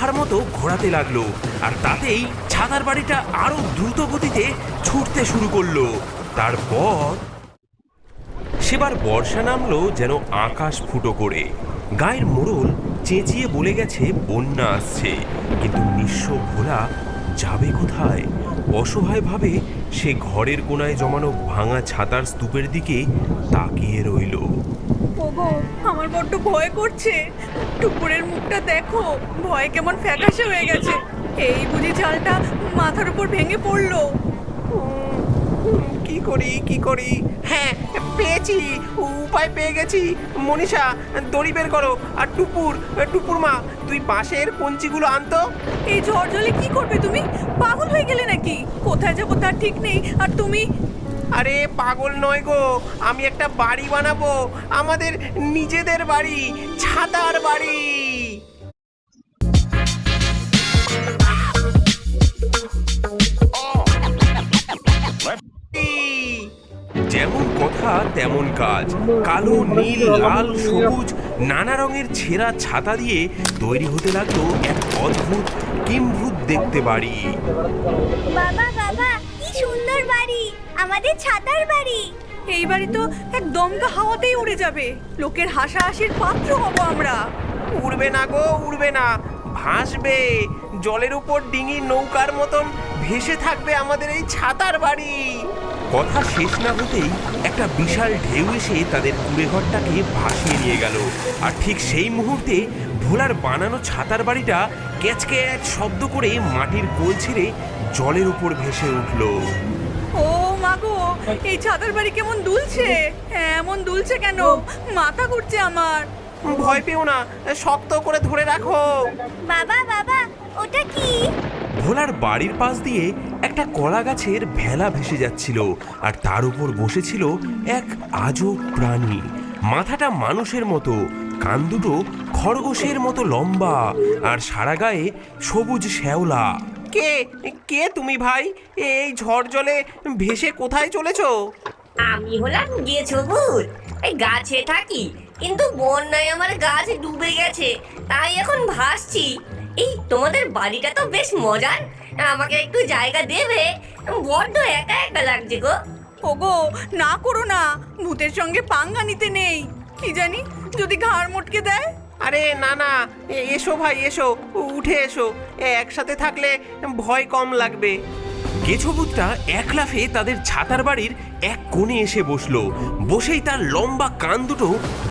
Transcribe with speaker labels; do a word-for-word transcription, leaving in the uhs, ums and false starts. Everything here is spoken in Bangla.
Speaker 1: পাখার মতো ঘোরাতে লাগলো, আর তাতেই ছাতার বাড়িটা আরো দ্রুত গতিতে ছুটতে শুরু করলো। তারপর সেবার বর্ষা নামলো যেন আকাশ ফুটো করে। গায়ের মোড়ল চেঁচিয়ে বলে গেছে বন্যা আসছে, কিন্তু নিঃস্ব ভোলা যাবে কোথায়? অসহায়ভাবে সে ঘরের কোনায় জমানো ভাঙা ছাতার স্তূপের দিকে তাকিয়ে রইল।
Speaker 2: ওগো, আমার বড্ড ভয় করছে। টুকুরের মুখটা দেখো, ভয় কেমন ফ্যাকাশে হয়ে গেছে। এই বুঝি চালটা মাথার উপর ভেঙে পড়লো।
Speaker 3: কি করি কি করি? হ্যাঁ, পেয়েছি, উপায় পেয়ে গেছি। মনীষা, দড়ি বের করো। আর টুপুর টুপুর মা, তুই বাঁশের কঞ্চিগুলো আনতো।
Speaker 2: এই ঝড় জলে কি করবে তুমি? পাগল হয়ে গেলে নাকি? কোথায় যাবো তার ঠিক নেই, আর তুমি?
Speaker 3: আরে পাগল নয় গো, আমি একটা বাড়ি বানাবো, আমাদের নিজেদের বাড়ি, ছাতার বাড়ি।
Speaker 1: যেমন কথা তেমন কাজ। কালো, নীল, লাল, সবুজ নানা রঙের ছেঁড়া ছাতা দিয়ে তৈরি হতে লাগলো এক অদ্ভুত কিম্ভূত দেখতে বাড়ি।
Speaker 4: বাবা বাবা, কি সুন্দর বাড়ি, আমাদের ছাতার বাড়ি।
Speaker 2: এই বাড়ি তো এক দমকা হাওয়াতেই উড়ে যাবে। লোকের হাসাহাসির পাত্র হব আমরা।
Speaker 3: উড়বে না গো, উড়বে না, ভাসবে। জলের উপর ডিঙি নৌকার মতন ভেসে থাকবে আমাদের এই ছাতার বাড়ি।
Speaker 1: কথা শেষ না হতেই একটা বিশাল ঢেউ এসে তাদের কুড়েঘরটাকে ভাসিয়ে নিয়ে গেল। আর ঠিক সেই মুহূর্তে ভোলার বানানো ছাতার বাড়িটা ক্যাচকে এক শব্দ করে মাটির কোল ছেড়ে জলের উপর ভেসে উঠল।
Speaker 2: ও মাগো, এই ছাতার বাড়ি কেমন দুলছে। এমন দুলছে কেন? মাথা ঘুরছে আমার।
Speaker 3: ভয় পেও না, শক্ত করে ধরে রাখো।
Speaker 4: বাবা বাবা, ওটা কি?
Speaker 1: ভোলার বাড়ির পাশ দিয়ে একটা কলা গাছের ভেলা ভেসে যাচ্ছিল, আর তার উপর বসেছিল এক আজব প্রাণী। মাথাটা মানুষের মতো, কান দুটো খরগোশের মতো লম্বা, আর সারা গায়ে সবুজ শ্যাওলা।
Speaker 3: কে কে তুমি ভাই? এই ঝড় জলে ভেসে কোথায় চলেছো?
Speaker 5: আমি হলাম গেছো ভূত। এই গাছে থাকি, কিন্তু বন্যায় আমার গাছ ডুবে গেছে, তাই এখন ভাসছি। এই তোমাদের বাড়িটা তো বেশ মজার, আমাকে একটু জায়গা দেবে? বড্ড একা একা লাগছে গো।
Speaker 2: ওগো, না করো না, ভূতের সঙ্গে পাঙ্গা নিতে নেই। কি জানি যদি ঘাড় মটকে দেয়।
Speaker 3: আরে না না, এ- এসো ভাই, এসো, উঠে এসো। একসাথে থাকলে ভয় কম লাগবে।
Speaker 1: গেছবুতটা এক লাফে তাদের ছাতার বাড়ির এক কোণে এসে বসলো। বসেই তার লম্বা কান দুটো